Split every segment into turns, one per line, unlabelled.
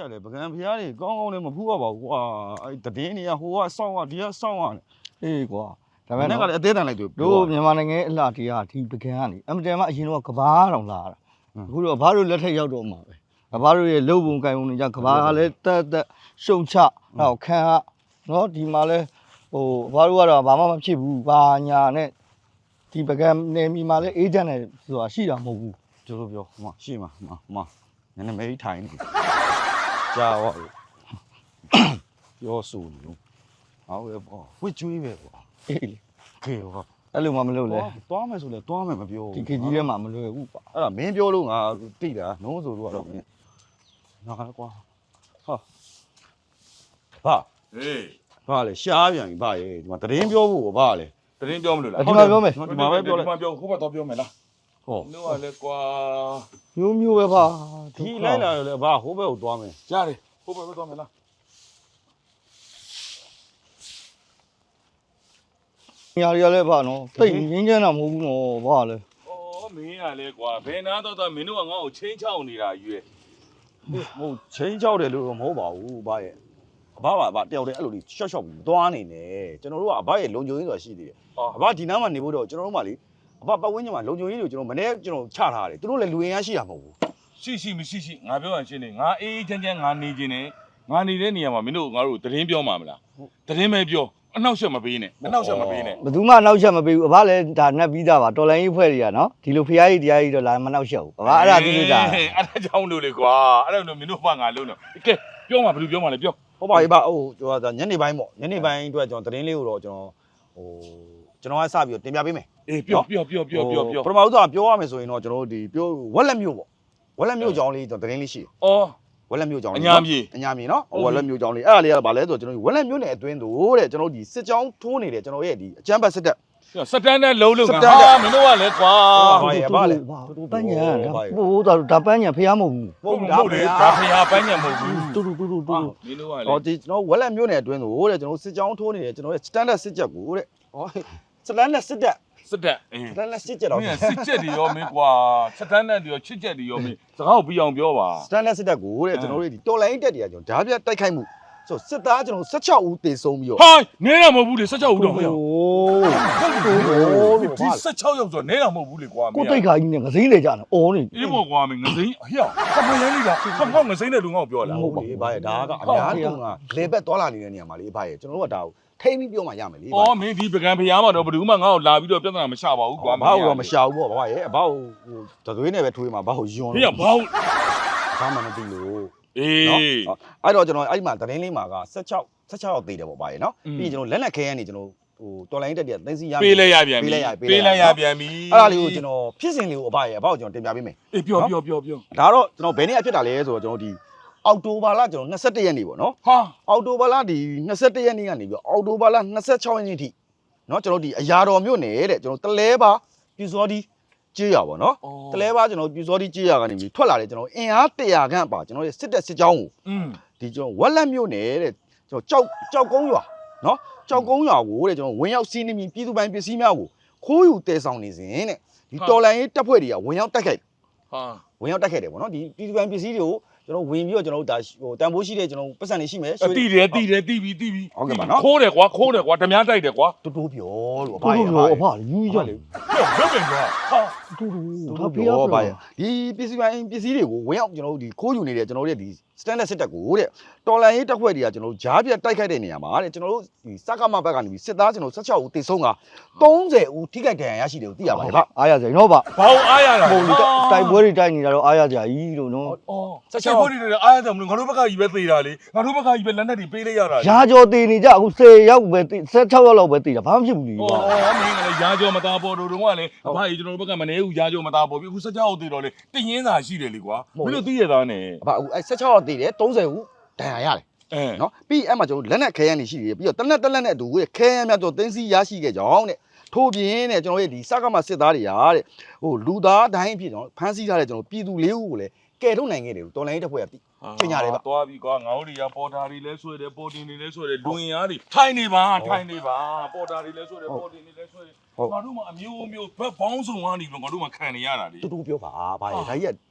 ရတယ်ပကံဖျားတွေကောင်းကောင်းလည်းမဖူးရပါဘူးကွာအဲ့တည်င်းတွေကဟိုကစောင့်ရဒီကစောင့်ရတယ်အေးကွာဒါပေမဲ့ကလည်းအသေးတန်လိုက်တို့မြန်မာနိုင်ငံအလှတရားဒီပကံကနေအမတန်မှအရင်တော့ကဘာတောင်လာတာအခုတော့ဘာလို့လက်ထက်ရောက်တော့မှာပဲဘာလို့ရဲ့လုံပုံကင်ပုံတွေကြကဘာကလည်းတက်ရှုံချတော့ခံရနော်ဒီမှာလဲဟိုဘာလို့ကတော့ဘာမှမဖြစ်ဘူးဘာညာနဲ့ဒီပကံနေမီမှာလဲအေဂျင့်နဲ့ဆိုတာရှိတာမဟုတ်ဘူးကျွန်တော်ပြောဟိုမှာရှိမှာဟိုနည်းနည်းမေးထိုင်နေကြာဟောပြောဆိုနေလို့ဟောပဲပေါ့ဝစ်ကျွေးပဲပေါ့အေးလေခေဟောအဲ့လိုမှမလုပ်လဲသွားမယ်ဆိုလဲသွားမယ်မပြောဘူးဒီခေကြီးထဲမှာမလွယ်ဘူးကွာအဲ့ဒါမင်းပြောလို့ငါတိတာနှုံးဆိုလို့ကတော့မင်းငါကွာဟာဘာဟေးဘာလဲရှားပြန်ပြီဘာရဲ့ဒီမှာတရင်ပြောဖို့ဘာလဲတရင်ပြောမလို့လားဒီမှာပြောမယ်ဒီမှာပဲပြောလိုက်ဒီမှာပြောဟိုဘက်တော့ပြောမယ်လားဟောတို့ကလည်းကွာမျိုးပဲပါဒီလိုက်လာတယ်လေဘာဟိုဘက်ကိုသွားမယ်ကြားတယ်ဟိုဘက်ပဲသွားမယ်လားညာရလည်းပါနော်တိတ်ငင်းချမ်းတာမဟုတ်ဘူးနော်ဘာလဲဩမင်းကလည်းကွာဘယ်နာတော့မင်းတို့ကငါ့ကိုချင်းချောက်နေတာယူရဲ့မဟုတ်ချင်းချောက်တယ်လို့မဟုတ်ပါဘူးဘာရဲ့အဘပါတယောက်တည်းအဲ့လိုလေးရှော့ရှော့ပြီးသွားနေတယ်ကျွန်တော်တို့ကအဘရဲ့လုံခြုံရေးဆိုတာရှိသေးတယ်အဘဒီနားမှာနေဖို့တော့ကျွန်တော်တို့မှလေအဘပတ်ဝန်းကျင်မှာလုံခြုံရေးတွေကိုကျွန်တော်မနေ့ကျွန်တော်ချထားတယ်သူတို့လည်းလူရင်ရရှိတာမဟုတ်ဘူးရှိမရှိငါပြောရရှင်းနေငါအေးချမ်းငါနေခြင်းနဲ့ငါနေတဲ့နေရာမှာမင်းတို့ငါတို့သတင်းပြောမှာမလားသတင်းပဲပြောအနောက်ရှက်မပေးနဲ့ဘယ်သူမှအနောက်ရှက်မပေးဘူးအဘလည်းဒါနှက်ပြီးသားပါတော်လိုင်းကြီးဖွဲ့တွေကနော်ဒီလိုဖျားကြီးတရားကြီးတော့လာမနောက်ရှက်ဘူးအဘအဲ့ဒါသိလို့ဒါအဲ့ဒါကြောင့်လို့လေကွာအဲ့ဒါလို့မင်းတို့ဘာငါလုံးတော့ကဲပြောမှာဘယ်လိုပြောမှာလဲပြောဟုတ်ပါပြီဗျဟိုကျွန်တော်ညနေပိုင်းပေါ့ညနေပိုင်းအတွက်ကျွန်တော်သတင်းလေးကိုတော့ကျွန်တော်ကစပြီးတင်ပြပေးမယ်အေးပြောပထမဦးဆုံးပြောရမယ်ဆိုရင်တော့ကျွန်တော်တို့ဒီပြောဝက်လက်မျိုးပေါ့ဝက်လက်မျိုးကြောင်းလေးကျွန်တော်သတင်းလေးရှိတယ်ဝက်လက်မျိုးကြောင်းလေးအညာမြေနော်ဝက်လက်မျိုးကြောင်းလေးအဲ့ဒါလေးကဘာလဲဆိုတော့ကျွန်တော်ဝက်လက်မျိုးနဲ့အတွင်းတို့တဲ့ကျွန်တော်ဒီစစ်ကြောင်းထိုးနေတယ်ကျွန်တော်ရဲ့ဒီအကျန်းဘတ်စစ်တပ်စတန်နဲ့လုံးလုံးဟာမင်းတို့ကလည်းကွာဘာလဲပန်းညာဟိုဒါပန်းညာဖျားမဟုတ်ဘူးဟုတ်လေဒါဖျားပန်းညာမဟုတ်ဘူးတူမင်းတို့ကလည်းဟောဒီကျွန်တော်ဝက်လက်မျိုးနဲ့အတွင်းတို့တဲ့ကျွန်တော်စစ်ကြောင်းထိုးနေတယ်ကျွန်တော်ရဲ့စတန်ဒတ်စစ်ချက်ကိုတဲ့ဟောစတန်ဒတ်စစ်တပ်စတန်နဲ့စစ်ချက်တော့မင်းစစ်ချက်တွေရောမင်းကွာစတန်နဲ့တွေရောချစ်ချက်တွေရောမင်းစကားကိုပြီးအောင်ပြောပါစတန်နဲ့စစ်တပ်ကိုတဲ့ကျွန်တော်တို့ဒီတော်လိုင်းတက်တွေကကျွန်တော်ဓာပြတိုက်ခိုက်မှုဆိုစစ်သားကျွန်တော်16ဦးတေဆုံးပြီးတော့ဟိုင်းနဲတာမဟုတ်ဘူးလေ16ဦးတော့မဟုတ်ဘူးဒီ16ယောက်ဆိုနဲတာမဟုတ်ဘူးလေကွာကိုတိတ်ခါကြီးနဲ့ငစိမ့်လေကြတယ်အော်နေအေးပေါ့ကွာမင်းငစိမ့်ဟဲ့ခမရမ်းနေတာခမောက်ငစိမ့်တဲ့လူငါ့ကိုပြောလာဟုတ်လေဘာရဲ့ဒါကအများကြီးကလေဘက်သွားလာနေတဲ့နေရာမှာလေဘာရဲ့ကျွန်တော်တို့ကဒါကိုထိမ့်ပြီးပြောမှရမယ်လေ။အော်မင်းဒီပကံဖျားမှာတော့ဘယ်သူမှငါ့ကိုလာပြီးတော့ပြဿနာမရှာပါဘူးကွာ။ဘာလို့မရှာဘူးပေါ့ဘာရဲ့။ဘာလို့ဟိုတသွေးနဲ့ပဲထွေးမှာဘာလို့ယွန်းလဲ။ဟေ့ဘာမှမသိလို့။အေးအဲ့တော့ကျွန်တော်အဲ့ဒီမှာသတင်းလေးမှာက16ယောက်သေးတယ်ပေါ့ဘာရဲ့နော်။ပြီးကျွန်တော်လက်လက်ခဲရနေကျွန်တော်ဟိုတော်လိုင်းတက်တည်းသိသိရပေးလိုက်ရပြန်ပြီ။ပေးလိုက်ရပြန်ပြီ။အဲ့ဒါလေးကိုကျွန်တော်ဖြစ်စဉ်လေးကိုအဘရဲ့အဘကိုကျွန်တော်တင်ပြပေးမယ်။အေးပြော။ဒါတော့ကျွန်တော်ဘယ်နေ့အဖြစ်တာလဲဆိုတော့ကျွန်တော်ဒီအောက်တိုဘာလကျွန်တော်21ရက်နေ့ပေါ့နော်ဟာအောက်တိုဘာလဒီ21ရက်နေ့ကနေပြီးအောက်တိုဘာလ26ရက်နေ့ထိနော်ကျွန်တော်ဒီအရာတော်မြို့နယ်တဲ့ကျွန်တော်တလဲပါပြူစောဒီကြေးရပါနော်တလဲပါကျွန်တော်ပြူစောဒီကြေးရကနေပြီးထွက်လာတယ်ကျွန်တော်အင်အား100ခန့်ပါကျွန်တော်ရဲ့စစ်တပ်စစ်ကြောင်းကိုဒီကျွန်တော်ဝက်လက်မြို့နယ်တဲ့ကျွန်တော်ကြောက်ကုန်းရွာနော်ကြောက်ကုန်းရွာကိုတဲ့ကျွန်တော်ဝင်ရောက်စီးနှီးပြီးပြည်သူပိုင်ပစ္စည်းများကိုခိုးယူတည်ဆောင်နေစဉ်တဲ့ဒီတော်လိုင်းရေးတပ်ဖွဲ့တွေကဝင်ရောက်တိုက်ခိုက်ဟာဝင်ရောက်တိုက်ခိုက်တယ်ပေါ့နော်ဒီပြည်သူပိုင်ပစ္စည်းတွေကိုကျွန်တော်ဝင်ပြီးတော့ကျွန်တော်တို့ဒါဟိုတန်ဖိုးရှိတဲ့ကျွန်တော်ပတ်စံနေရှိမယ်တိတယ်ပြီးဟုတ်ကဲ့ပါနော်ခိုးတယ်ကွာဓမြတိုက်တယ်ကွာတိုးပြောလို့အဖအဖယူကြလေပြောပြန်ကွာဟာတိုးပြောပါဒီပစ္စည်းတွေကိုဝင်ရောက်ကျွန်တော်တို့ဒီခိုးယူနေတဲ့ကျွန်တော်တို့ရဲ့ဒီစတန်ဒတ်စစ်တပ်ကိုတဲ့တော်လန်ရေးတပ်ဖွဲ့တွေကကျွန်တော်တို့ဂျားပြတ်တိုက်ခိုက်တဲ့နေရာမှာတဲ့ကျွန်တော်တို့ဒီစကမဘက်ကနေပြီးစစ်သားကျွန်တော်16ဦးတေဆုံးက30ဦးထိခိုက်ဒဏ်ရာရရှိတယ်ကိုသိရပါတယ်ဗျအားရစရာနော်ဗျဘာလို့အားရတာဟိုတိုက်ပွဲတွေတိုက်နေတာတော့အားရစရာကြီးလို့နော်16ဦးတွေအားရတယ်မလို့ငါတို့ဘက်ကကြီးပဲသေတာလေငါတို့ဘက်ကကြီးပဲလက်နက်တွေပေးလိုက်ရတာရာကျော်သေနေကြအခု10ယောက်ပဲ16ယောက်လောက်ပဲသေတာဘာမှဖြစ်ဘူးလေမင်းကလည်းရာကျော်မသားပေါ်တို့ကလည်းအဖကြီးကျွန်တော်တို့ဘက်ကမနေဘူးရာကျော်မသားပေါ်ပြီအခု16ယောက်သေတော့လေတည်ရင်းစာရှိတယ်လေကွာမင်းတို့သိရသားနဲ့အဖအခု16ယောက်သေတယ်30ဦးဒဏ်ရာရတယ်နော်ပြီးအဲ့မှာကျွန်တော်လက်နက်ခဲယမ်းတွေရှိတယ်ပြီးတော့တလက်နဲ့အတူခဲယမ်းများတော့တင်းစီရရှိခဲ့ကြောင်းတဲ့ထို့ပြင်တဲ့ကျွန်တော်ရဲ့ဒီစကမစစ်သားတွေကတဲ့ဟိုလူသားတိုင်းအဖြစ်ကျွန်တော်ဖမ်းဆီးထားတဲ့ကျွန်တော်ပြည်သူ၄ဦးကိုလည်းကယ်ထုတ်နိုင်ခဲ့တယ်တော်လိုင်းရေးတပ်ဖွဲ့ကသိကျင်ညာတယ်ဗျသွားပြီကွာငါတို့တွေကပေါ်တာတွေလဲဆွဲတယ်ပေါ်တင်တွေလဲဆွဲတယ်လူရင်အားတွေထိုင်နေပါပေါ်တာတွေလဲဆွဲတယ်ပေါ်တင်တွေလဲဆွဲတယ်ငါတို့မှအမျိုးဘက်ပေါင်းစုံကနေပြီးငါတို့မှခံနေရတာလေတူတူပြောပါဗျာဒါကြီးက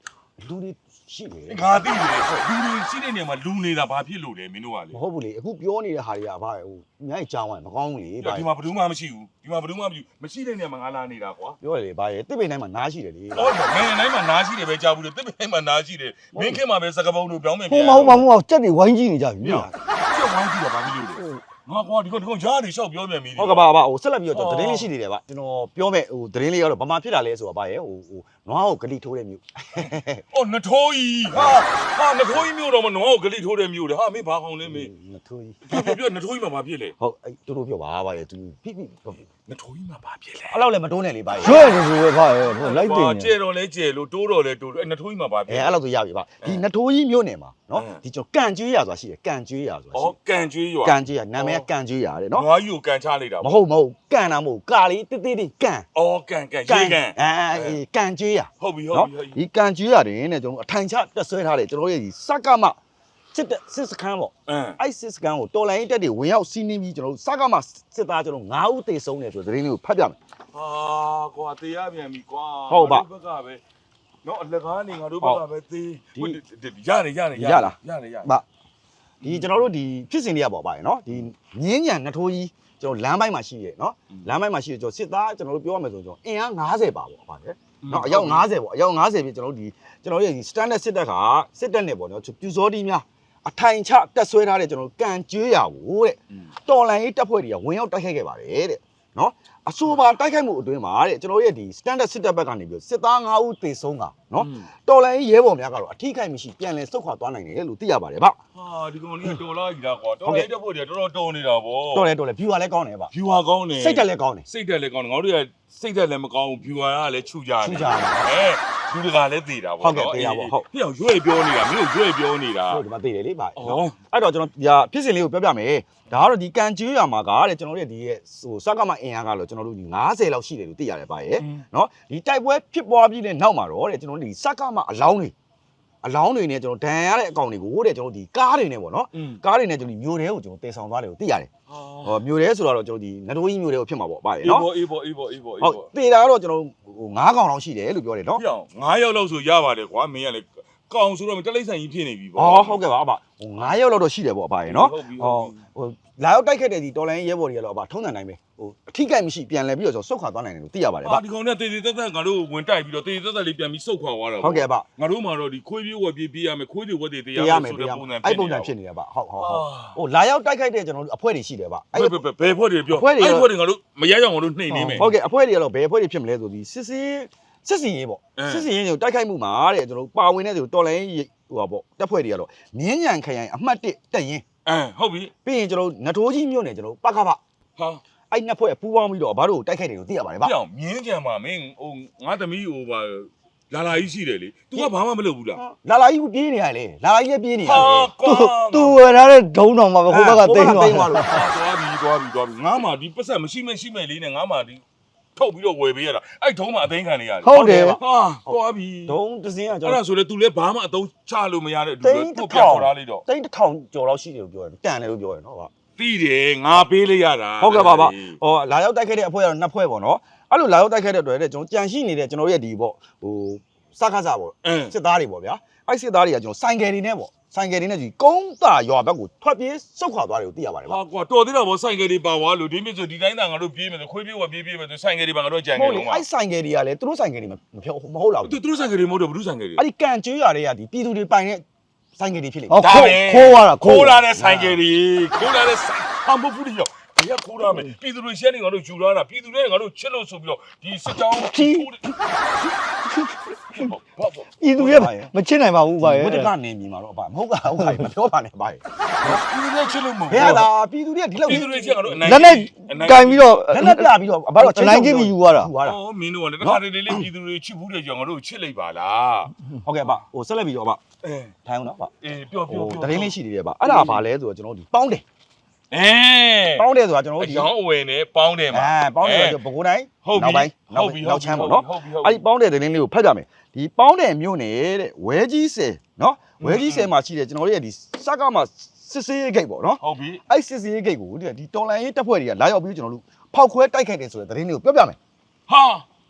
လူတွေရှိတယ်
ငါသိတယ်လူတွေရှိတဲ့နေရာမှာလူနေတာဘာဖြစ်လို့လဲမင်းတို့ကလေ
မဟုတ်ဘူးလေအခုပြောနေတဲ့ဟာတွေကဘာလဲဟိုအများကြီးကြောင်းဝင်မကောင်းဘူးလေ
ဒီမှာဘယ်သူမှမရှိဘူးဒီမှာဘယ်သူမှမရှိတဲ့နေရာမှာငါလာနေတာကွာ
ပြောရလေဘာရဲ့တစ်ပိန်တိုင်းမှာနားရှိတယ်လေ
ဟုတ်တယ်မင်းတိုင်းမှာနားရှိတယ်ပဲကြားဘူးလေတစ်ပိန်မှာနားရှိတယ်မင်းခင်မှာပဲစကပုံတို့ပြောင်းမယ်
ဟိုမဟုတ်ကြက်တွေဝိုင်းကြည့်နေကြပြီ
ကျုပ်ဝိုင်းကြည့်တာဘာဖြစ်လို့လဲငါကွာဒီကောင်ရားနေလျှောက်ပြောမြန်ပြီ
ဟုတ်ကဲ့ပါဟိုဆက်လက်ပြီးတော့သတင်းလေးရှိနေတယ်ဗျကျွန်တော်ပြောမဲ့ဟိုသတင်းလေးကတော့ဘာမှဖြစ်တာလဲဆိုတော့ဘာရဲ့ဟိုနွားကိုဂလိထိုးတဲ့မြို့
အော်နထိုးကြီးဟာနထိုးကြီးမြို့တော့မနွားကိုဂလိထိုးတဲ့မြို့လေဟာမင်းဘာကောင်လဲမင်း
နထိုးကြီး
ပြောနထိုးကြီးမှာဘာဖြစ်လဲ
ဟုတ်အဲ့တူတူပြောပါဘာရဲ့သူဖိဖိ
နထိုးကြီးမှာဘာဖြစ်လဲ
အဲ့လောက်လည်းမတိုးနဲ့လေဘာရဲ့
ရွှဲနေဆိုပဲဗျဟိုလိုက်တင်
ကျဲတော့လဲကျဲလို့တိုးတော့လဲတိုးအဲ့နထိုးကြီးမှာဘာဖြစ်
အဲ့လောက်ဆိုရပြီဗျဒီနထိုးကြီးမြို့နယ်မှာနော်ဒီကျွန်တော်ကန်ကျွေးရဆိုတာရှိတယ်ကန်ကျွေးရဆိုတာရှိ
ဩကန်ကျွေးရွာ
ကန်ကျွေးရနာမည်ကကန်ကျွေးရတယ်နော်
နွားကြီးကိုကန်ချလိုက်တာ
မဟုတ်ကန်တာမဟုတ်ကာလေးတိတိတိကန်
ဩကန်ရေကန်
ကန်ကျွေးရ
ဟုတ်ပြီ
ဒီကန်ကျွေးရတယ်နဲ့ကျွန်တော်အထိုင်ချတက်ဆွဲထားတယ်ကျွန်တော်ရဲ့ဒီစက်ကမစစ်စခန်းပေါ့အဲ့စစ်စခန်းကိုတော်လိုင်းတက်တွေဝင်ရောက်စီးနှင်းပြီးကျွန်တော်စက်ကမစစ်သားကျွန်တော်9ဦးသေဆုံးတယ်ဆိုတဲ့သတင်းလေးကိုဖတ်ပြမယ်
ဟာကွာတရားပြန်ပြီကွာ
ဟုတ်ပါ
ဘက်ကပဲနော်အလက်ကားနေငါတို့ဘက်ကပဲသေးရတယ်
ဗျဒီကျွန်တော်တို့ဒီဖြစ်စဉ်တွေကပေါ့ဗျာနော်ဒီမြင်းညံနှစ်ထိုးကြီးကျွန်တော်လမ်းပိုင်းမှာရှိရနော်လမ်းပိုင်းမှာရှိရကျွန်တော်စစ်သားကျွန်တော်တို့ပြောရမယ်ဆိုကျွန်တော်အင်အား90ပါပေါ့ဗျာနော်အယောက်90ပေါ့အယောက်90ပြီကျွန်တော်တို့ဒီကျွန်တော်ရဲ့ဒီ standard စစ်တပ်ကစစ်တပ်နဲ့ပေါ့နော်ပြူစောတီးများအထိုင်ချတက်ဆွဲထားတဲ့ကျွန်တော်တို့ကန်ကျွေးရကိုတဲ့တော်လန်ရေးတပ်ဖွဲ့တွေကဝင်ရောက်တိုက်ခိုက်ခဲ့ပါတယ်တဲ့နော်အဆိုပါတိုက်ခိုက်မှုအတွင်းမှာတဲ့ကျွန်တော်ရဲ့ဒီ standard စစ်တပ်ဘက်ကနေပြီးစစ်သား9ဦးသေဆုံးတာနော်တော်လန်ရေးရဲဘော်များကတော့အထိခိုက်မရှိပြန်လည်ဆုတ်ခွာသွားနိုင်တယ်လို့သိရပါတယ်ဗျ
ဟာဒီကောင်လေးတော်လာကြီးလားကွာတော်လိုက်တဲ့ဖို့တွေတော်တော်တော်နေတာဗော
တော်တယ် view လည်းကောင်းတယ်ဗျ
view ဟာကောင်းတယ်
စိတ်တက်လည်းကောင်းတယ်
စိတ်တက်လည်းကောင်းတယ်ငါတို့ကစိတ်တက်လည်းမကောင်းဘူး view ဟာလည်းခြူကြတယ်
ခြူကြတယ်
လူတကာလည်းသေးတာဗော
ဟုတ်ကဲ့သေးတာဗောဟုတ်
ဟိအောင်ရွေ့ပြောနေတာမင်းတို့ရွေ့ပြောနေတာ
ဟုတ်ဒီမှာသိတယ်လေဗျနော်အဲ့တော့ကျွန်တော်ဒီဖြစ်စဉ်လေးကိုပြောပြမယ်ဒါကတော့ဒီကန်ကျွေးရမှာကတဲ့ကျွန်တော်တို့ရဲ့ဒီရဲ့ဟိုစက်ကမအင်အားကတော့ကျွန်တော်တို့ဒီ90လောက်ရှိတယ်လို့သိရတယ်ဗျရဲ့နော်ဒီတိုက်ပွဲဖြစ်ပွားပြီးတဲ့နောက်မှာတော့တဲ့ကျွန်တော်တို့ဒီစက်ကမအလောင်းတွေနဲ့ကျွန်တော်ဒဏ်ရတဲ့အကောင်တွေကိုတဲ့ကျွန်တော်ဒီကားတွေနဲ့ပေါ့နော်ကားတွေနဲ့ကျွန်တော်ဒီမျိုးတဲကိုကျွန်တော်တည်ဆောင်သွားတယ်ကိုသိရတယ်ဟောမျိုးတဲဆိုတော့ကျွန်တော်ဒီနတိုးကြီးမျိုးတဲကိုဖြစ်မှာပေါ့ဗျရဲ့နော်
အေးပေါ့
ဟုတ်တည်တာကတော့ကျွန်တော်ဟို9កောင်လောက်ရှိတယ်လို့ပြောတယ်နော်
ပြောင်း9ရောက်လောက်ဆိုရပါတယ်ကွာမင်းကလည်းကောင်ဆိုတော့တလိမ့်ဆိုင်ကြီးဖြစ်နေပြီဗော
ဟုတ်ကဲ့ပါအဘဟို9ရောက်လောက်တော့ရှိတယ်ပေါ့အဘရဲ့နော်ဟိုလာရောက်တိုက်ခတ်တဲ့ဒီတော်လိုင်းရဲဘော်တွေကတော့အဘထုံးစံတိုင်းပဲဟိုအထိကိုက်မရှိပြန်လဲပြီးတော့ဆုတ်ခွာသွားနိုင်တယ်လို့သိရပါတယ်ဗျ
ဒီကောင်နဲ့တေးသေးသက်ငါတို့ဝင်တိုက်ပြီးတော့တေးသေးသက်လေးပြန်ပြီးစုတ်ခွာသွားတာ
ဟုတ်ကဲ့ဗျ
ငါတို့မှာတော့ဒီခွေးပြေးဝက်ပြေးပြေးရမယ်ခွေးတွေဝက်တွေတေးရ
တရား
မယ်
မယ်
ဆို
တ
တဲ့
ရား
ပုံစံ
အဲ့ပုံစံဖြစ်နေတယ်ဗျဟုတ်ဟိုလာရောက်တိုက်ခိုက်တဲ့ကျွန်တော်တို့အဖွဲ့တွေရှိတယ်ဗျ
ဘယ်ဖွဲ့တွေပြောအဲ့ဖွဲ့တွေငါတို့မရရအောင်ငါတို့နှိမ်နေမယ်
ဟုတ်ကဲ့အဖွဲ့တွေကတော့ဘယ်အဖွဲ့တွေဖြစ်မလဲဆိုဒီစစ်စင်ရေးပေါ့စစ်စင်ရေးကိုတိုက်ခိုက်မှုမှာတဲ့ကျွန်တော်တို့ပါဝင်တဲ့သူတော်လိုင်းဟိုပါပေါ့တပ်ဖွဲ့တွေကတော့မြင်းညံခရိုင်အမှတ်1တက်ရင်
ဟုတ်ပြီ
ပြီးရင်ကျွန်တော်တို့နထိုးကြီးမြို့နယ်ကျွန်တော်တို့ပကပ
ဟာ
အဲ့နှစ်ဖွဲ့ပူးပေါင်းပြီးတော့ဘာလို့တိုက်ခိုက်တယ်လို့သိရပါတယ်ဗျ
ပြောင်းမြင်းကြံမှာမင်းဟိုငါသမီးဟိုပါလာလာကြီးရှိတယ်လေ तू ကဘာမှမလုပ်ဘူးလား
လာလာကြီးပြေးနေရလေလာလာကြီးလည်းပြေးနေရလေ
သူဝယ်ထားတဲ့ဒုံတော်မှာပဲဟိုဘက်ကတိန်းသွားတယ်
သွားပြီငါမှဒီပတ်ဆက်မရှိမဲ့လေးနဲ့ငါမှဒီထုတ်ပြီးတော့ဝယ်ပေးရတာအဲ့ထုံးမှအသိန်းခံနေရတယ်
ဟုတ်တယ်
ဟာသွားပြီ
ဒုံတစင်းကကျွန်
အဲ့
တော်
ဒါဆိုလေ तू လည်းဘာမှအသုံးချလို့မရတဲ့အတူတူကိုပြန်ခေါ်ထားလိုက်တော့
တိန်းတစ်ထောင်ကျော်လောက်ရှိတယ်လို့ပြောတယ်တန်တယ်လို့ပြောတယ်နော်ဗျ
တီးတယ်ငါပေးလိုက်ရတာ
ဟုတ်ကဲ့ပါဗျဟောလာရောက်တိုက်ခိုက်တဲ့အဖွဲ့ကတော့နှစ်ဖွဲ့ပေါ့နော်အဲ့လိုလာရောက်တိုက်ခိုက်တဲ့အတွက်တဲ့ကျွန်တော်ကြံရှိနေတဲ့ကျွန်တော်ရဲ့ဒီပေါ့ဟိုစကားစားပေါ့စစ်သားတွေပေါ့ဗျာအဲ့စစ်သားတွေကကျွန်တော်ဆိုင်ကယ်တွေနဲ့ပေါ့ဆိုင်ကယ်တွေနဲ့ဒီကုန်းတာရွာဘက်ကိုထွက်ပြေးစုတ်ခွာသွားတယ်ကိုသိရပါတယ်ဗျ
ဟာကွာတော်သေးတာဗောဆိုင်ကယ်တွေပါသွားလို့ဒီမြစ်ဆိုဒီတိုင်းသာငါတို့ပြေးမယ်ဆိုခွေးပြေးဝပြေးမယ်ဆိုဆိုင်ကယ်တွေပါငါတို့ကြံ
ဟု
နေ
တ်လေ
တော့မှာ
အဲ့ဆိုင်ကယ်တွေကလည်းသူတို့ဆိုင်ကယ်တွေမဟုတ်လား
သူတို့ဆိုင်ကယ်တွေမဟုတ်တော့ဘူးဆိုင်ကယ်တွေ
အဲ့ဒီကန်ကျွေးရွာတွေကဒီပြည်သူတွေပိုင်တဲ့ဆိုင်ကယ်တွေဖြစ်လေ
ဟောခိုးသွားတာ
ခိုးလာတဲ့ဆိုင်ကယ်တွေခိုးလာတဲ့ဆိုင်ဟာမဟုတ်ဘူးလေဘယ်ကခိုးရမယ်ပြည်သူတွေရှင်းနေငါတို့ယူလာတာပြည်သူတွေငါတို့ချစ်လို့ဆိုပြီးတော့ဒီစစ်ကြောင်းဘာ
ဤသူရဲ့မချစ်နိုင်ပါဘူးဗျာ
ဘုဒ္ဓကနေမြင်မှာတော့အပါမဟုတ်ကဟုတ်ကဲ့မပြောပါနဲ့ဗျာ
ပြည်သူတွေချစ်လို့မဟုတ်
ဘယ်ဟာလားပြည်သူတွေကဒီလောက်
ပြည်သူတွေချစ်ငါတို့အနိုင်
လက်နဲ့ကင်ပြီးတော့
လက်နဲ့ပြပြီးတော့ဘာလို့
နိုင်ချင်းပြီးယူသွားတာ
အော်မင်းတို့ကလည်းတစ်ခါတည်းလေးပြည်သူတွေချစ်ဘူးတဲ့ကြောင့်ငါတို့ချစ်လိုက်ပါလား
ဟုတ်ကဲ့ဗျဟိုဆက်လက်ပြီးတော့ဗျ
အဲ
ထိုင်အောင်နော်ဗျ
အေးပြော
တရင်လေးရှိသေးတယ်ဗျအဲ့ဒါဘာလဲဆိုတော့ကျွန်တော်ဒီပေါင်းတယ်
အဲ
ပေါင်းတယ်ဆိုတာကျွန်တော်
အ
တို့ဒီ
ရောင်းအဝယ်နဲ့ပေါင်းတယ်မှာ
ပေါင်းတယ်ဆိုဘကိုးတိုင်း
ဟုတ်ပြီ
နောက်ပိုင်းနောက်ချမ်းပေါ့နော်အဲ့ဒီပေါင်းတဲ့တရင်လေးကိုဖတ်ကြမယ်ဒီပေါင်းတဲ့မြို့နယ်တဲ့ဝဲကြီးဆယ်နော်ဝဲကြီးဆယ်မှာရှိတယ်ကျွန်တော်တို့ရဲ့ဒီစက်ကမှာစစ်စေးဂိတ်ပေါ့နော်
ဟုတ်ပြီ
အဲ့စစ်စေးဂိတ်ကိုဒီတော်လန်ရေးတပ်ဖွဲ့တွေကလာရောက်ပြီးကျွန်တော်တို့ဖောက်ခွဲတိုက်ခိုက်တယ်ဆိုတဲ့တရင်လေးကိုပြောပြမယ်
ဟာ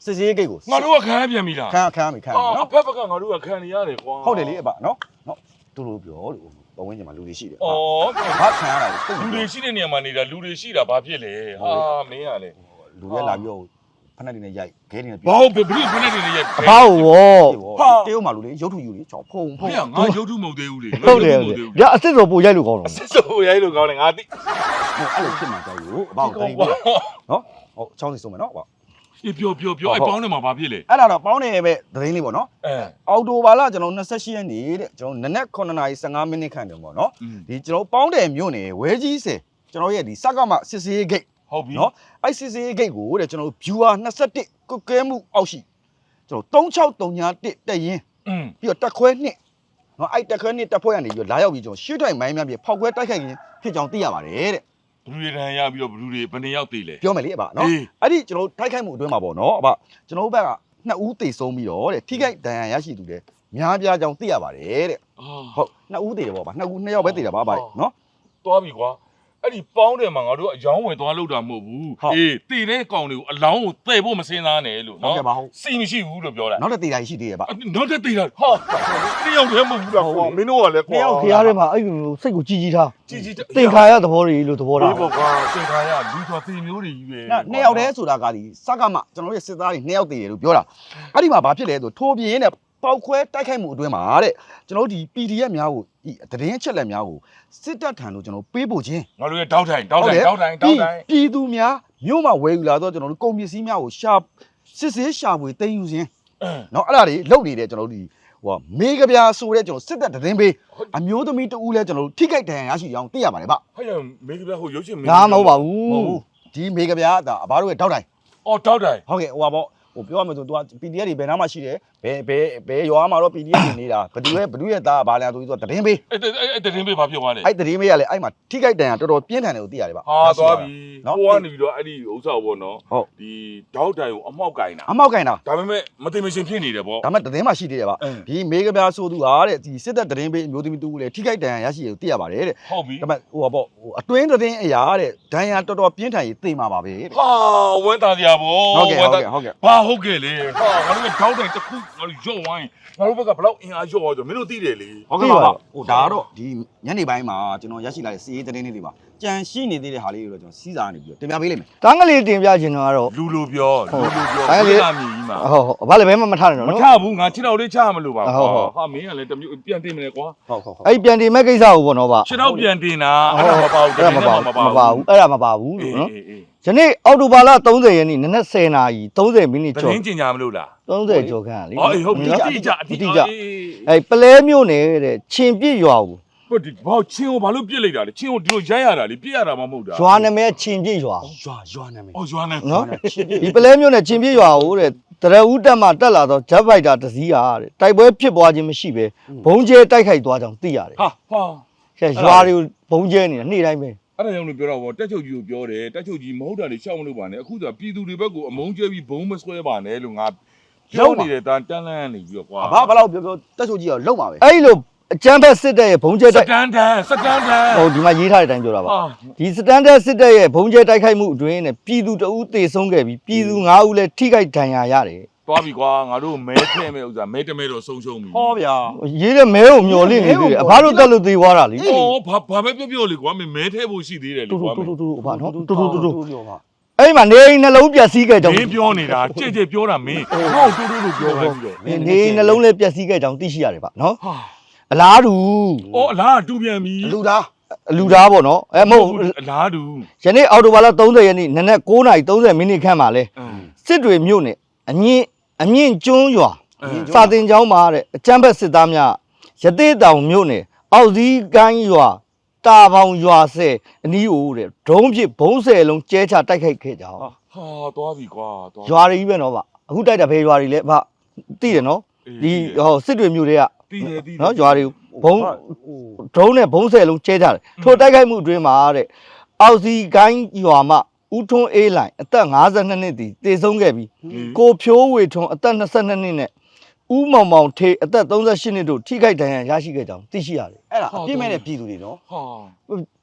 စစ်စေးဂိတ်ကို
ငါတို့ကခံရပြန်ပြီလား
ခံရပြီနော်
အဖက်ဖက်ကငါတို့ကခံနေရတယ်ကွာ
ဟုတ်တယ်လေအဘနော်သူတို့ပြောလို့ဘဝင်းကျင်မှာလူတွေရှိတယ်
ဩ
ဘာခံရတာ
လူတွေရှိတဲ့နေရာမှာနေတာလူတွေရှိတာဘာဖြစ်လဲဟာမင်းကလေ
လူတွေလာပြီးတော့ဖက်နဲ့နေရိုက်ခဲနေ
ဘာဟုတ်ဘယ်ဖက်နေနေရဲ့
အဖောက်ဝေါ်
တရုတ်မှာလူတွေရုပ်ထုယူတွေချောဖုံ
ဖေငါရုပ်ထုမဟုတ်သေးဘူးလေ
ဟုတ်တယ်ဗျာအစ်စ်ဆိုပို့ရိုက်လို့ကောင်းတော့
စစ်စိုးရိုက်လို့ကောင်းတယ်ငါသိ
အဲ့လိုဖြစ်မှာကြောက်ယူအဘောက်ခိုင်းပြီးနော်ဟုတ်ချောင်းစီဆုံးမယ်နော်အဘောက်
ပြောအဲ့ပေါင်းထဲမှာဘာဖြစ်လဲ
အဲ့ဒါတော့ပေါင်းနေပဲသတင်းလေးပေါ့နော်
အဲ
အော်တိုဘာလကျွန်တော်28ရက်နေ့တဲ့ကျွန်တော်နနက်9:15မိနစ်ခန့်တုန်းပေါ့နော်ဒီကျွန်တော်ပေါင်းတယ်မြို့နယ်ဝဲကြီးစင်ကျွန်တော်ရဲ့ဒီစကမစစ်စေးဂိတ်
ဟုတ်ပြီ
နော်အဲ့စစ်စေးဂိတ်ကိုတဲ့ကျွန်တော် viewer 21ကုတ်ကဲမှုအောက်ရှိကျွန်တော်3631တက်ရင်ပြီးတော့တက်ခွဲ2နော်အဲ့တက်ခွဲ2တက်ဖွဲ့ရနေပြီးတော့လာရောက်ပြီးကျွန်တော်ရှေ့တိုင်းမိုင်းများပြီးဖောက်ခွဲတိုက်ခိုက်ခြင်းဖြစ်ကြောင်းသိရပါတယ်တဲ့
ဘလူတွေတန်ရပြီးတော့ဘလူတွေဘယ်နှစ်ယောက်သေးလဲ
ပြောမယ်လေအဘနော်အဲ့ဒီကျွန်တော်တိုက်ခိုက်မှုအတွင်းမှာပေါ့နော်အဘကျွန်တော်ဘက်က2ဦးသေဆုံးပြီးတော့တဲ့ထိခိုက်ဒဏ်ရာရရှိသူတဲ့များပြားကြောင်းသိရပါတယ်တဲ့ဟုတ်2ဦးသေတယ်ပေါ့ဗျ2ဦး2ယောက်ပဲသေတာပါဗျနော်
သွားပြီကွာအဲ့ဒီပေါင်းတယ်မှာငါတို့အယောင်းဝင်သွားလို့တာမဟုတ်ဘူးအေးတည်တဲ့ကောင်တွေကိုအလောင်းကိုတဲ့ဖို့မစင်းသားနဲ့လို့နော်စီမရှိဘူးလို့ပြောတာ
နောက်တစ်သေတာရှိသေးတယ်ဗျ
နောက်တစ်တည်တာဟာတယောက်တည်းမဟုတ်ဘူးလားကွာမင်းတို့ကလည်းကွာ
ဖျားထဲမှာအဲ့လိုစိတ်ကိုကြီးကြီးထား
ကြီးကြီး
တင်ခါရသဘောတွေလို့သဘောထား
ပေါ့ကွာတင်ခါရလူဆိုသေမျိုးတွေကြီးပဲ
2ယောက်တည်းဆိုတာကဒီစကမကျွန်တော်ရဲ့စစ်သားတွေ2ယောက်သေတယ်လို့ပြောတာအဲ့ဒီမှာဘာဖြစ်လဲဆိုထိုးပြင်းနဲ့ပေါက်ခွဲတိုက်ခိုက်မှုအတွင်းမှာတဲ့ကျွန်တော်ဒီ PDF များကိုဒီသတင်းချက်လက်များကိုစစ်တပ်ထံလို့ကျွန်တော်ပေးပို့ခြင်း
ငါတို့ရဲ့တောက်တိုင်
ပြည်သူများမြို့မှာဝယ်ယူလာတော့ကျွန်တော်တို့ကုန်ပစ္စည်းများကိုစစ်ဆေးရှာဖွေသိမ်းယူခြင်းเนาะအဲ့ဒါတွေလုပ်နေတယ်ကျွန်တော်တို့ဒီဟိုမေကပြာဆိုတဲ့ကျွန်တော်စစ်တပ်သတင်းပေးအမျိုးသမီးတဦးလဲကျွန်တော်တို့ထိခိုက်ဒဏ်ရာရရှိအောင်သိရပါတယ်ဗျ
ဟဲ့မေကပြဟိုရုပ်ရှင်မင်း
ငါမဟုတ်ပါဘူး
ဒီမေကပြာဒါအဘတို့ရဲ့တောက်တိုင်
အော်တောက်တိုင်
ဟုတ်ကဲ့ဟိုပါပေါ့ဟိုပြောရမယ်ဆိုသူက PDF တွေဘယ်နားမှာရှိတယ်ဘယ်ရွာမှာတော့ PDF တွေနေတာဘသူရဲ့သားဘာလဲဆိုပြီးတော့သတင်းပေး
အဲ့သတင်းပေးဘာဖြစ်သွားလဲ
အဲ့သတင်းပေးကလည်းအဲ့မှာထိခိုက်ဒဏ်ရာတော်တော်ပြင်းထန်တယ်ကိုသိရတယ်ဗျ
ဟာသွားပြီကိုကနေပြီးတော့အဲ့ဒီဥစ္စာပေါ့နော်ဒီတောက်တိုင်ကိုအမောက်ကင်တာ
အမောက်ကင်တာ
ဒါပေမဲ့မသိမရှင်ဖြစ်နေတယ်ပေါ့
ဒါမှသတင်းမှရှိသေးတယ်ဗျဒီမေကပြာဆိုသူဟာတဲ့ဒီစစ်တပ်သတင်းပေးအမျိုးသမီးတူလည်းထိခိုက်ဒဏ်ရာရရှိတယ်ကိုသိရပါတယ်တဲ့
ဟုတ်ပြီ
ဒါပေမဲ့ဟိုပါပေါ့အတွင်းသတင်းအရာတဲ့ဒဏ်ရာတော်တော်ပြင်းထန်ရေးသိမှာပါပဲတဲ့
ဟာဝမ်းသာစရာပေါ့
ဟုတ်ကဲ့
ဘာဟုတ်ကဲ့လေဟာငါတို့ကတောက်တိုင်တစ်ခုငါတို့ရော့ဝိုင်းငါတို့ဘက်ကဘလောက်အင်အားရော့သွားဆိုမင်းတို့သိတယ်လေ
ဟုတ်ကဲ့ပါဟိုဒါကတော့ဒီညနေပိုင်းမှာကျွန်တော်ရရှိလာတဲ့စီးရေးသတင်းလေးတွေပါကြံရှိနေသေးတဲ့ဟာလေးတွေတော့ကျွန်တော်စီးစားနေပြီးတော့တင်ပြပေးလိမ့်မယ်
တန်းကလေးတင်ပြခြင်းတော့ကတော့
လူလိုပြောလာမြည်ကြီးမှာ
ဟုတ်ဘာလဲဘယ်မှမထားနဲ့
မ
နော်
ချဘူးငါခြေတော်လေးချမလို့ပါဟာမင်းကလည်းတမျိုးပြန်တင်မလဲကွာ
ဟုတ်
အဲ့ပြန်တင်မဲ့ကိစ္စကိုပေါ့နော်ဗျ
ခြေတော်ပြန်တင်တာအဲ့ဒါမပါဘူး
အဲ့ဒါမပါဘူးအဲ့ဒါမပါဘူးလို့နော်
အေး
ယနေ့အောက်တိုဘာလ30ရက်နေ့နနက်10:30နာရီ30မိနစ်
တ
ကျော်
ရင်ကျင်ညာမလို့လား
30ကျော်ခန့်လေ
အော်အေးဟုတ်ပြီအတိအကျ
အဲ့ပလဲမျိုးနေတဲ့ချင်းပြစ်ရွာကို
ဟုတ်ဒီဘာချင်းကိုဘာလို့ပြစ်လိုက်တာလဲချင်းကိုဒီလိုရိုက်ရတာလေပြစ်ရတာမှမဟုတ်တာ
ရွာနာမည်ချင်းပြစ်ရွာ
ရွာနာမည်
အော်ရွာနေ
နော်ဒီပလဲမျိုးနဲ့ချင်းပြစ်ရွာကိုတဲ့တရဦးတက်မှတက်လာတော့ဂျက်ဖိုက်တာတစည်းဟာတဲ့တိုက်ပွဲဖြစ်ပွားခြင်းမရှိပဲဘုံကျဲတိုက်ခိုက်သွားကြောင်းသိရတယ်
ဟာ
ရွာတွေကိုဘုံကျဲနေတာနေ့တိုင်းပဲ
အဲ့ဒါကြောင့်လို့ပြောတော့ဗောတက်ချုပ်ကြီးကိုပြောတယ်တက်ချုပ်ကြီးမဟုတ်တာတွေရှောက်မလို့ပါနဲ့အခုဆိုပြည်သူတွေဘက်ကိုအမုန်းကျဲပြီးဘုံမဆွဲပါနဲ့လို့ငါပြောနေတဲ့တန်းတန်းလန်းနေပြီးတော့ကွာ
ဘာဘလောက်ပြောတက်ချိုကြီးကလုံပါပဲ
အဲ့လိုအကျန်းဖက်စစ်တပ်ရဲ့ဘုံကျဲ
စ
တိုက်
တန်တန်
ဟိုဒီမှာရေးထားတဲ့အတိုင်းပြောတာပါ
ဟာ
ဒီစတန်ဒတ်စစ်တပ်ရဲ့ဘုံကျဲတိုက်ခိုက်မှုအတွင်းနဲ့ပြည်သူတအူးသေဆုံးခဲ့ပြီးပြည်သူ9ဦးလည်းထိခိုက်ဒဏ်ရာရတယ်
သွားပြီကွာငါတို့မဲထဲမဲ့ဥစ္စာမဲတမဲတော့ဆုံးရှုံးပြီ
ဟောဗျာ
ရေးတဲ့မဲကိုမျော်လင့်နေသေးတယ်အဘတို့တက်လို့သေသွားတာလေ
အော်ဘာပဲပြောလေကွာမဲထဲဖို့ရှိသေးတယ်လေ
တူ
ကွာ
တူအဘနော်တူ
ပြောပါ
အဲ့မှာနေအိမ်နှလုံးပျက်စီးခဲ့ကြောင်း
မင်းပြောနေတာကြဲ့ကြဲ့ပြောတာမင်းဟောတူလို့ပြောခိုင်းပြီးတော့
နေအိမ်နှလုံးလည်းပျက်စီးခဲ့ကြောင်းသိရှိရတယ်ဗျနော်
ဟာ
အလားတူ
အော်အလားတူပြန်ပြီ
လူသား
လူသားပေါ့နော်မဟုတ်
အလားတူ
ယနေ့အော်တိုဘာလ30ရက်နေ့နနက်9:30မိနစ်ခန့်မှာလဲစစ်တွေမြို့နယ်အမြင့်ကျွန်းရွာစာတင်ကျောင်းမှာတဲ့အကျန်းဖက်စစ်သားများရသေးတောင်မြို့နယ်အောက်စည်းကိုင်းရွာတာပေါင်ရွာဆယ်အနီးအိုးတဲ့ဒုံးဖြစ်ဘုံးဆယ်လုံးကျဲချတိုက်ခိုက်ခဲ့ကြအောင်
ဟာသွားပြီကွာသွား
ရွာတွေကြီးပဲနော်ဗျအခုတိုက်တာဘယ်ရွာတွေလဲဗျသိတယ်နော်ဒီဟောစစ်တွေမြို့တွေက
တီးတယ်တီး
နော်ရွာတွေဘုံဒုံးနဲ့ဘုံးဆယ်လုံးကျဲကြတယ်ထိုတိုက်ခိုက်မှုအတွင်းမှာတဲ့အောက်စီကိုင်းရွာမှာဦးထွန်းအေးလိုင်အသက်52နှစ်တည်တေဆုံးခဲ့ပြီးကိုဖြိုးဝေထွန်းအသက်22နှစ်နဲ့ဦးမောင်မောင်ထေးအသက်38နှစ်တို့ထိခိုက်ဒဏ်ရာရရှိခဲ့ကြောင်းသိရှိရတယ်
အဲ့ဒါအပြစ်မဲ့တဲ့ပြည်သူတွေနော်
ဟာ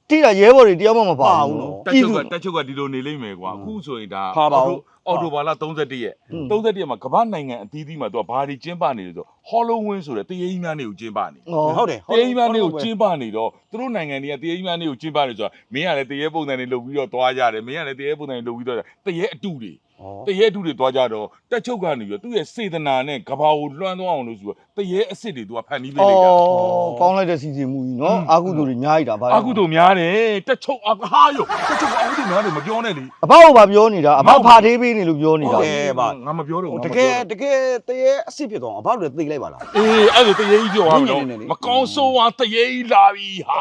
တိတာရဲဘော်တွေတယောက်မှမပါဘူးနော်
တက်ချုပ်ကဒီလိုနေလိမ့်မယ်ကွာအခုဆိုရင်ဒါအော်တိုဘာလ31ရက်31ရက်မှာကမ္ဘာနိုင်ငံအသီးသီးမှာသူကဘာတွေကျင်းပနေလဲဆိုဟောလိုဝင်းဆိုတဲ့တရေကြီးများနေကိုကျင်းပနေ
ဟုတ်တယ်
တရေကြီးများနေကိုကျင်းပနေတော့သူတို့နိုင်ငံတွေကတရေကြီးများနေကိုကျင်းပနေဆိုတာမင်းကလည်းတရေပုံစံတွေလုပ်ပြီးတော့သွားကြတယ်မင်းကလည်းတရေပုံစံတွေလုပ်ပြီးတော့တရေအတူတွေတရေအတူတွေသွားကြတော့တက်ချုပ်ကနေပြီးတော့သူ့ရဲ့စေတနာနဲ့ကဘာကိုလွှမ်းသွားအောင်လို့ဆိုတော့တရေအစ်စ်တွေသူကဖန်တီးပေးလိုက်တာ
ကောင်းလိုက်တဲ့စီစဉ်မှုကြီးနော်အာကုသူတွေများကြီးတာဗါ
အခုတို့များတယ်တက်ချုပ်ဟာယောတက်ချုပ်အခုတို့များတယ်မပြောနဲ့လေ
အဖေကဘာပြောနေတာအဖေဖာသေးပေးနေလို့ပြောနေတာ
ငါမပြောတော့
တကယ်တရေအစ်စ်ဖြစ်သွားအောင်အဘတို့သိလိုက်ပါလား
အေးအဲ့ဒါတရေကြီးပြောရမယ်နော်မကောင်းဆိုးဟာတရေကြီးလာပြီဟာ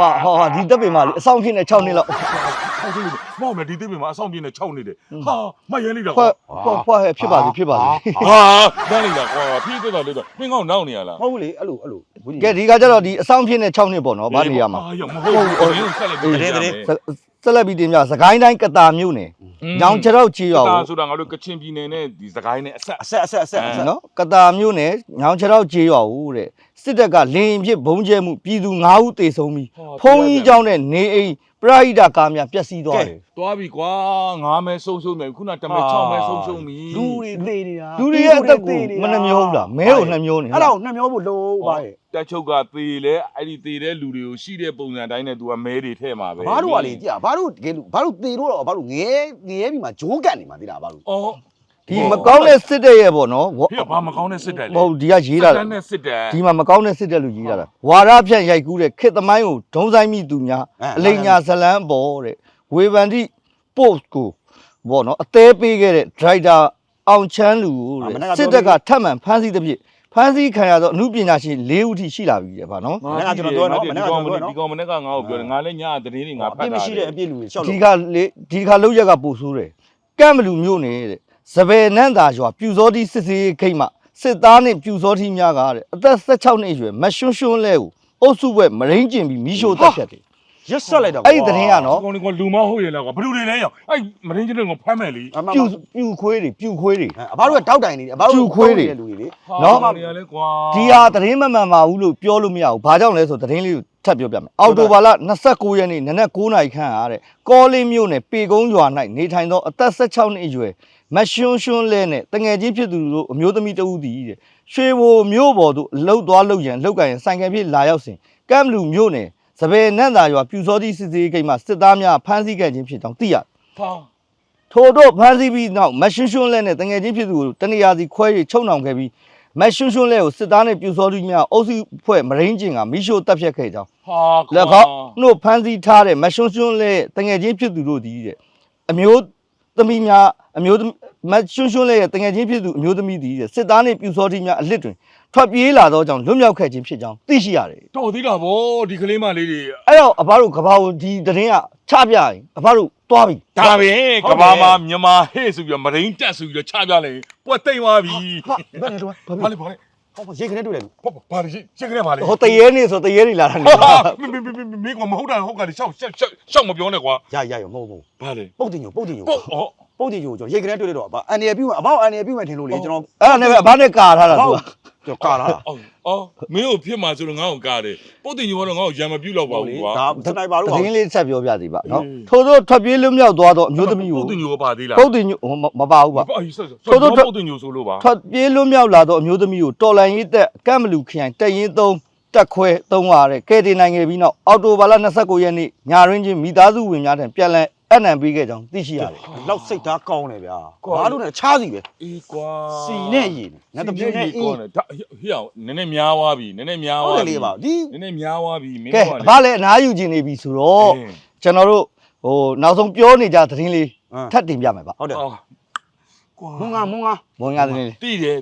ဟာဒီတပ်ပင်မလေးအဆောင်ဖြစ်နေ6နှစ်လောက်
မောင်မဒီတိပင်မှာအဆောင်ပြင်းနဲ့6နေတယ်ဟာမရဲလိုက်တာ
ဖွာဖြစ်ပါစေဖြစ်ပါစေ
ဟာတန်းလိုက်တာကွာဖြည့်တက်တာလို့တော့မင်းကောင်းနောက်နေရလား
ဟုတ်ဘူးလေအဲ့လို
ကဲဒီကကြတော့ဒီအဆောင်ဖြစ်နေ6နှစ်ပေါ့နော်ဗာနေရမှာ
ဟာယောမဟုတ်ဘူးဘင်းဆက်လိုက်ပြီး
ဆက်လက်ပြီးတင်ပြစကိုင်းတိုင်းကတာမြို့နယ်ညောင်ချရောက်ချီရော
ဒါဆိုတာငါတို့ကချင်ပြည်နယ်နဲ့ဒီစကိုင်းနဲ့အဆက်
နော်ကတာမြို့နယ်ညောင်ချရောက်ချီရောတဲ့စစ်တပ်ကလင်းဖြစ်ဘုံကျဲမှုပြည်သူ9ဦးသေဆုံးပြီးဖုံးကြီးเจ้าနဲ့နေအိမ်ပရိဒကာများပျက်စီးသွားတယ်
သွားပြီကွာ9မဲဆုံးမယ်ခုနတမဲ6မဲဆုံးပြီ
လူတွေသေနေတာ
လူတွေရဲ့အသက်ကိုမနှမျောဘူးလားမဲကိုနှမျောနေ
အဲ့ဒါကိုနှမျောဖို့လုံးပါရဲ့
တက်ချုပ်ကသေလဲအဲ့ဒီသေတဲ့လူတွေကိုရှိတဲ့ပုံစံတိုင်းနဲ့ तू ကမဲတွေထဲမှာပဲ
ဘာတို့ကလေကြည့်ဘာတို့တကယ်လို့ဘာတို့သေလို့တော့ဘာတို့ငဲပြီးမှဂျိုးကန်နေမှာသိလားဘာတို့
အော်
ဒီမကောင်းတဲ့စစ်တပ်ရဲ့ပေါ့နော်
ဖေဘာမကောင်းတဲ့စစ်တပ်လေ
ဟုတ်ဒီကရေးတာ
စစ်တပ်နဲ့စစ်တပ်
ဒီမှာမကောင်းတဲ့စစ်တပ်လူရေးတာဝါရဖြန့်ရိုက်ကူးတဲ့ခေတ်သမိုင်းကိုဒုံဆိုင်မိသူများအလိညာဇလန်းပေါ်တဲ့ဝေဗန်တိ post ကိုပေါ့နော်အသေးပေးခဲ့တဲ့ driver အောင်ချမ်းလူတဲ့စစ်တပ်ကထပ်မံဖမ်းဆီးတဲ့ဖြစ်ဖမ်းဆီးခံရတော့အမှုပညာရှင်၄ဦးထိရှိလာပြီတဲ့ဗျာနော်
မနေ့ကကျွန်တော်ပြောနော်မနေ့ကကျွန်တော်ပြောနော်
ဒီကောင်မနေ့ကငါ့ကိုပြောတယ်ငါလည်းညသတင်းတွေငါဖတ်တာ
အပြစ်မရှိတဲ့အပြစ်လူတွေရှောက်
ဒီ
လို့
ကလေဒီခါလောက်ရက်ကပို့ဆိုးတယ်ကန့်မလူမျိုးနေတဲ့စပယ်နန့်သာရွာပြူစောတိစစ်စေးခိတ်မှစစ်သားနဲ့ပြူစောတိများကတဲ့အသက်16နှစ်အရွယ်မရွှွန်းရွှွန်းလဲကိုအုပ်စုဘက်မရင်းကျင်ပြီးမီးရှို့တက်ဖြတ်တယ်
ရက်ဆက်လိုက်တော့
အဲ့ဒီသတင်းကနော်
ဒီကောင်ကလူမဟုတ်ရလားကွာဘယ်လိုတွေလဲရောအဲ့မရင်းချင်းတွေကဖမ်းမယ်လေ
ပြူခွေးတွေ
အဘတို့ကတောက်တိုင်နေတယ်အဘတို့လူတွေလေ
နော်နေရလဲကွာ
ဒီဟာသတင်းမမှန်ပါဘူးလို့ပြောလို့မရဘူးဘာကြောင့်လဲဆိုသတင်းလေးကိုထပ်ပြောပြမယ်အော်တိုဘာလ29ရက်နေ့နနက်9:00နာရီခန့်အားတဲ့ကောလေးမြို့နယ်ပေကုန်းရွာ၌နေထိုင်သောအသက်16နှစ်အရွယ်မရွှွန်းရွှွန်းလဲနဲ့တငယ်ချင်းဖြစ်သူတို့အမျိုးသမီးတဦးတည်တဲ့ရွှေဘိုမြို့ပေါ်သို့လှုပ်သွားလှုပ်ရန်လှုပ်ကန်ရန်ဆိုင်ကယ်ဖြစ်လာရောက်စဉ်ကမ်လူမြို့နယ်စပယ်နန့်သာရွာပြူစောတိစစ်စေးဂိတ်မှစစ်သားများဖမ်းဆီးခဲ့ခြင်းဖြစ်ကြောင်းသိရ
ဟာ
ထို့တို့ဖမ်းဆီးပြီးနောက်မရွှွန်းရွှွန်းလဲနဲ့တငယ်ချင်းဖြစ်သူကိုတနေရာစီခွဲ၍ချုပ်နှောင်ခဲ့ပြီးမရွှွန်းရွှွန်းလဲကိုစစ်သားနဲ့ပြူစောတိများအုပ်စုဖွဲ့မရင်းကျင်ကမိရှို့တပ်ဖြတ်ခဲ့ကြောင်း
ဟာ
လက်ခေါနှုတ်ဖမ်းဆီးထားတဲ့မရွှွန်းရွှွန်းလဲတငယ်ချင်းဖြစ်သူတို့ဒီတဲ့အမျိုးသမီးများအမျိုးမရွှွန်းရွှွန်းလဲရဲ့တငယ်ချင်းဖြစ်သူအမျိုးသမီးဒီတဲ့စစ်သားနဲ့ပြူစောတိများအလစ်တွင်ထွက်ပြေးလာသောကြောင့်လွတ်မြောက်ခဲ့ခြင်းဖြစ်ကြောင်းသိရှိရတယ်
တော်သေးတာဗောဒီကလေးမလေးတွေ
အဲ့တော့အဘတို့ကဘာကိုဒီသတင်းကချပြရင်အဘတို့တွားပြီ
ဒါပဲကဘာမှာမြန်မာဟဲ့ဆိုပြီးတော့မရင်းတက်ဆိုပြီးတော့ချပြလိုက်ပွက်တိမ်သွားပြီ
ဘယ်နဲ့တော့
ဘာလဲ
ဟောရေခနဲ့တွေ့တယ်
ဘာလဲရှင်းကနေပါလေ
ဟိုတရေနေဆိုတရေနေလာတာနေ
မင်းကမဟုတ်တာဟုတ်ကလေရှောက်မပြောနဲ့ကွာ
ရမဟုတ်ဘူး
ဘာလဲ
ပုတ်တင်ညို
ပုတ်ဩ
ပုတ်တင်ညိုကျွန်တော်ရေခနဲ့တွေ့တယ်တော့အန်ရပြုအဘောက်အန်ရပြုမယ်ထင်လို့လေကျွန်တော်
အဲ့ဒါနဲ့ပဲအဘနဲ့ကာထားတာသူက
ကျွန်တော်ကာလာ
အော်မင်းကိုဖြစ်မှာဆိုတော့ငါ့ကိုကားတယ်ပုတ်တင်ညိုကတော့ငါ့ကိုရံမပြုတ်တော့ပါဘူးကွာ
ဒါစနိုက်ပါတော့
သတင်းလေးဆက်ပြောပြစီပါနော်ထို့သောထွက်ပြေးလွတ်မြောက်သွားသောအမျိုးသမီးကို
ပုတ်တင်ညိုကပါသေးလား
ပုတ်တင်ညိုမပါဘူးပါ
အေးဆိုတော့ပုတ်တင်ညိုဆိုလို့ပါ
ထွက်ပြေးလွတ်မြောက်လာသောအမျိုးသမီးကိုတော်လန်ရေးသက်ကမ်မလူခရိုင်တက်ရင်3တက်ခွဲ3ပါတဲ့ကဲတင်နိုင်ခဲ့ပြီးနောက်အော်တိုဘာလ29ရက်နေ့ညရင်းချင်းမိသားစုဝင်များထံပြန်လည်အနံပေးခဲ့ကြောင်းသိရှိရတယ်
လောက်စိတ်သားကောင်းတယ်ဗျာဘာလို့လဲချားစီပဲ
အေးကွာ
စီနဲ့ရည်ငါတပြင်းနဲ့အေး
ဒါဟိအောင်နည်းနည်းများသွားပြီနည်းနည်းများ
ဟုတ်
သွား
တယ်
ပြီ
လေပါဒီ
နည်းနည်းများသွားပြီမင်း
ကဲ
က
အဘလည်းအနားယူခြင်းနေပြီဆိုတော့ကျွန်တော်တို့ဟိုနောက်ဆုံးပြောနေကြသတင်းလေးထပ်တင်ပြမယ်ဗျ
ဟုတ်တယ်
ကွာ
မုံငါ
မွန်ရသတင်းလေး
တိတယ်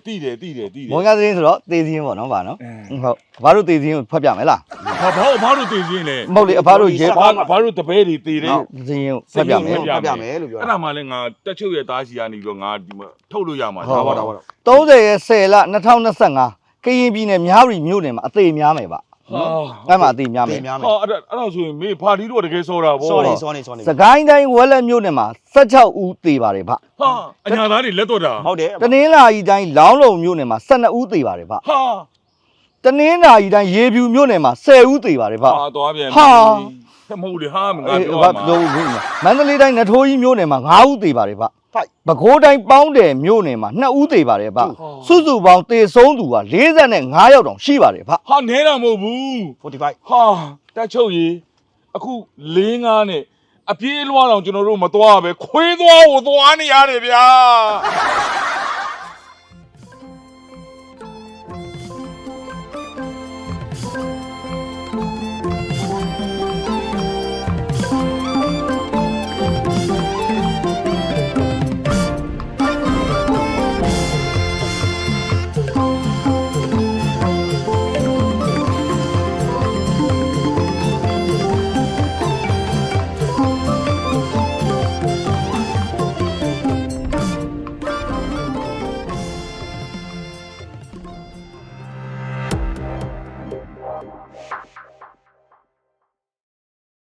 မွန်ရသတင်းဆိုတော့သေစင်းပေါ့နော်ဗျာနော်ဟုတ်ဘာလို့သေစင်းကိုဖတ်ပြမယ်လား
ဘာလို့တည်စင်းလဲ
မဟုတ်လေအဘတို့ရေ
ဘာလို့တပည့်တွေတည်တယ်
စင်းကိုဖတ်ပြမယ်
ပြမယ်လို့ပြော
အဲ့ဒါမှလည်းငါတက်ချုပ်ရဲ့သားစီကနေပြီးတော့ငါဒီမှာထုတ်လို့ရမှာ
ဒါပါဒါပါ
30ရက်10လ2025ကရင်ပြည်နယ်မြဝတီမြို့နယ်မှာအသေးများမယ်ဗျ
ဟာ
အဲ့မှာအသေးများမယ်
များမယ်
ဟာအဲ့ဒါဆိုရင်မေဖာဒီတော့တကယ်စောတာဗော
စောနေ
စကိုင်းတိုင်းဝက်လက်မြို့နယ်မှာ16ဦးသေပါတယ်ဗျ
ဟာအညာသားတွေလက်တော့တာ
ဟုတ်တယ်
တနင်္လာရီတိုင်းလောင်းလုံမြို့နယ်မှာ12ဦးသေပါတယ်ဗျ
ဟာ
တနင်္လာရီတိုင်းရေဖြူမြို့နယ်မှာ10ဦးသေပါတယ်ဗျ
ဟာသွားပြန်
ဟာ
ဟမဟုတ်လေဟာမငါ
အေး
ပြော
ဘာ
မှာ
ပြောဘူးမန္တလေးတိုင်းနထိုးကြီးမြို့နယ်မှာ9ဦးသေးပါတယ်ဗျ
ဖိုက်
ပဲခူးတိုင်းပေါင်းတယ်မြို့နယ်မှာ2ဦးသေးပါတယ်ဗျစုစုပေါင်းသေဆုံးသူက45ယောက်တောင်ရှိပါတယ်ဗျ
ဟာနဲတာမဟုတ်ဘူး
45
ဟာတက်ချုပ်ကြီးအခု4-5နဲ့အပြေးလွှားတော့ကျွန်တော်တို့မသွားပဲခွေးသွားကိုသွားနေရတယ်ဗျာ